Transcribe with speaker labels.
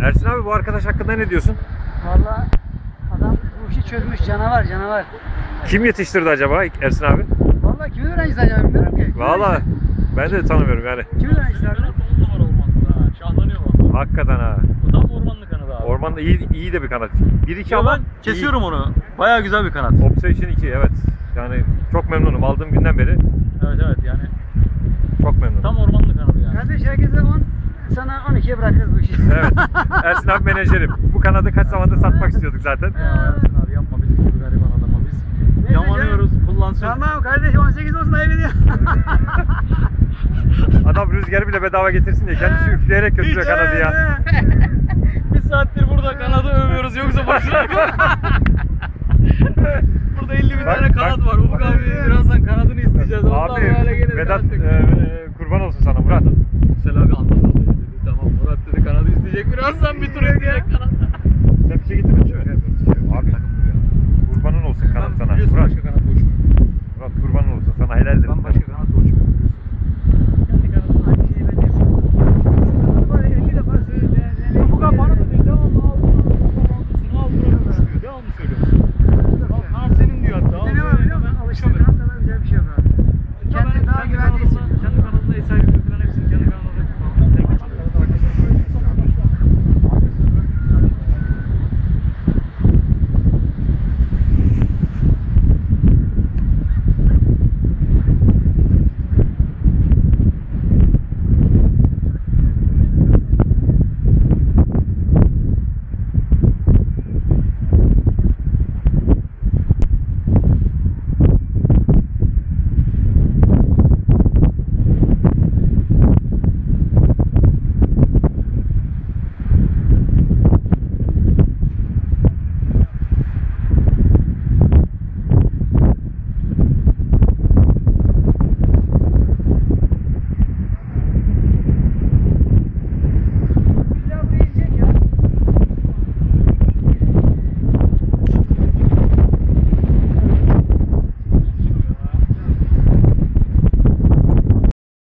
Speaker 1: Ersin abi, bu arkadaş hakkında ne diyorsun?
Speaker 2: Vallahi adam bu işi çözmüş, canavar canavar.
Speaker 1: Kim yetiştirdi acaba Ersin abi?
Speaker 2: Vallahi kimin öğrencisi acaba bilmiyorum ki.
Speaker 1: Valla ben de tanımıyorum yani.
Speaker 2: Kimin öğrencisi abi?
Speaker 3: 10 numara ormanda ha. Şahlanıyor valla.
Speaker 1: Hakikaten ha.
Speaker 3: Bu tam ormanlık kanadı abi.
Speaker 1: Ormanda iyi de bir kanat. 1-2
Speaker 3: Ya
Speaker 1: ama
Speaker 3: ben kesiyorum onu. Bayağı güzel bir kanat.
Speaker 1: Obsession 2, evet. Yani çok memnunum. Aldığım günden beri
Speaker 3: Evet yani.
Speaker 1: çok memnunum.
Speaker 3: Tam ormanlık kanadı yani.
Speaker 2: Kardeş herkese 10, sana 12'ye bırakırız bu işi.
Speaker 1: Evet. Ersin abi menajerim. Bu kanadı kaç zamandır satmak istiyorduk zaten.
Speaker 3: Ya Ersin abi yapma bizim gibi gariban adama biz.
Speaker 2: Neyse
Speaker 3: Yamanıyoruz, kullansın.
Speaker 2: Tamam kardeş 18 olsun ayıp ediyor.
Speaker 1: Adam rüzgarı bile bedava getirsin diye kendisi üfleyerek götürüyor kanadı ya.
Speaker 3: Bir saattir burada kanadı övüyoruz yoksa boşuna. Burada 50 bin
Speaker 1: Bak,
Speaker 3: tane kanat
Speaker 1: bak.
Speaker 3: var. Ufuk abi birazdan kanadını isteyeceğiz. Ondan
Speaker 1: Abi
Speaker 3: böyle gelir.
Speaker 1: Vedat
Speaker 3: kanat
Speaker 1: kurban olsun sana Murat.
Speaker 3: Yüksel abi anladı dedi. Tamam Murat dedi kanadı isteyecek birazdan bir tur isteyecek kanat.
Speaker 1: Sen bir şey getirdin mi? Abi kurbanın olsun kanat sana. Murat.